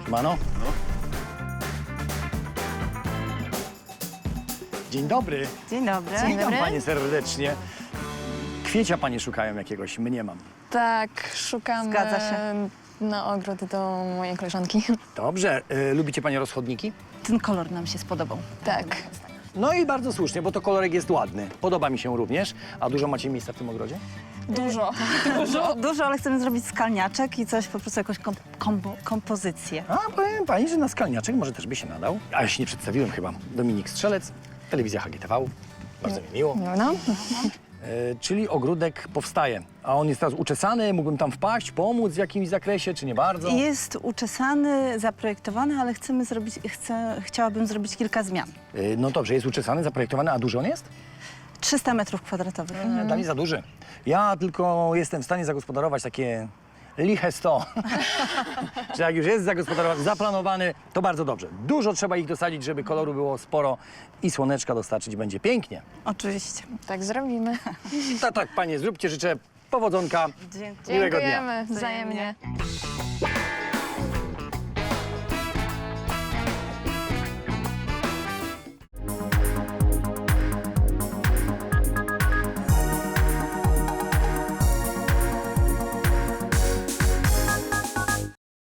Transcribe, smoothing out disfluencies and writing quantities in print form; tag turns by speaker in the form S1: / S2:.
S1: Mano?
S2: No.
S1: Dzień dobry.
S3: Dzień dobry.
S1: Witam panie serdecznie. Kwiecia panie szukają jakiegoś, mniemam.
S4: Tak, szukam
S3: Zgadza się.
S4: na ogród do mojej koleżanki.
S1: Dobrze. Lubicie panie rozchodniki?
S3: Ten kolor nam się spodobał.
S4: Tak.
S1: No i bardzo słusznie, bo to kolorek jest ładny. Podoba mi się również. A dużo macie miejsca w tym ogrodzie?
S4: Dużo.
S3: Dużo, ale chcemy zrobić skalniaczek i coś, po prostu jakąś kompozycję.
S1: A powiem pani, że na skalniaczek może też by się nadał. A ja się nie przedstawiłem chyba. Dominik Strzelec, telewizja HGTV. Bardzo mi miło.
S4: No.
S1: Czyli ogródek powstaje. A on jest teraz uczesany, mógłbym tam wpaść, pomóc w jakimś zakresie, czy nie bardzo?
S3: Jest uczesany, zaprojektowany, ale chciałabym zrobić kilka zmian.
S1: No dobrze, jest uczesany, zaprojektowany, a duży on jest?
S3: 300 metrów kwadratowych.
S1: Dla mnie za duży. Ja tylko jestem w stanie zagospodarować takie liche 100. Że jak już jest zagospodarowany, zaplanowany, to bardzo dobrze. Dużo trzeba ich dosadzić, żeby koloru było sporo i słoneczka dostarczyć będzie pięknie.
S3: Oczywiście.
S4: Tak zrobimy.
S1: Tak, panie, zróbcie, życzę powodzonka.
S3: Dziękuję.
S1: Miłego dnia.
S4: Dziękujemy wzajemnie.